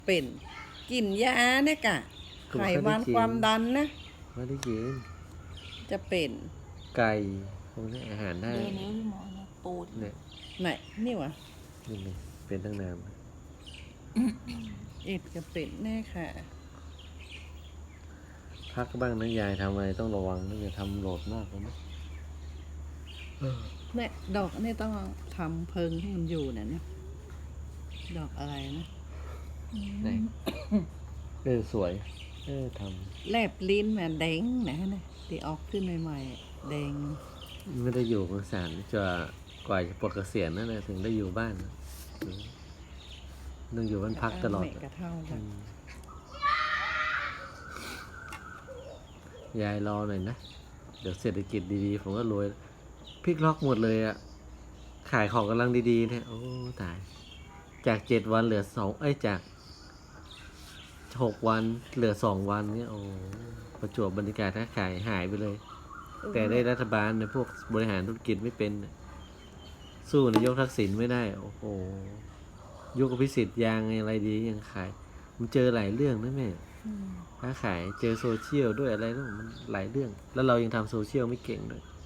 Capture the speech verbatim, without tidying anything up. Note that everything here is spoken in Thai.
เป็นกินยาเนี่ยกะไขมันความดันนะไม่ได้กินจะเป็นไก่พวกนี้อาหารได้เดินนิ้วที่หมอนะปูดเนี่ยไหนนี่วะนี่ไงเป็นตั้งนานเอ็ดจะเป็นแน่ค่ะพักบ้างนะยายทำอะไรต้องระวังนะอย่าทำโหลดมากเลยนะเนี่ยดอกนี่ต้องทำเพิงให้มันอยู่นะเนี่ยดอกอะไรนะไหนเออสวยเออทแลบลิ้นมาแดงนะนะที่ออกขึ้นใหม่ๆแดงำไม่ได้อยู่กับสารจะกว่าจะปลดเกษียณนั่นแหละถึงได้อยู่บ้านนะต้องอยู่บ้านพักตลอดแม่กระเท่าอืค่ะมยายรอหน่อยนะ เดี๋ยวเศรษฐกิจดีๆผมก็รวยพลิกล็อกหมดเลยอะขายของกำลังดีๆเนี่ยโอ้ตาย จากเจ็ดวันเหลือสองเอ้ยจากหกวันเหลือสองวันเนี่ยโอ้ประจวบบรรยากาศค้าขายหายไปเลย แต่ได้รัฐบาลในพวกบริหารธุรกิจไม่เป็นน่ะสู้นายกทักษิณไม่ได้ โอ้โหยุคอภิสิทธิ์ยางอะไรดียังขาย มันเจอหลายเรื่องนะแม่อืมค้าขายเจอโซเชียลด้วยอะไรด้วยมันหลายเรื่อง แล้วเรายังทำโซเชียลไม่เก่งด้วยอ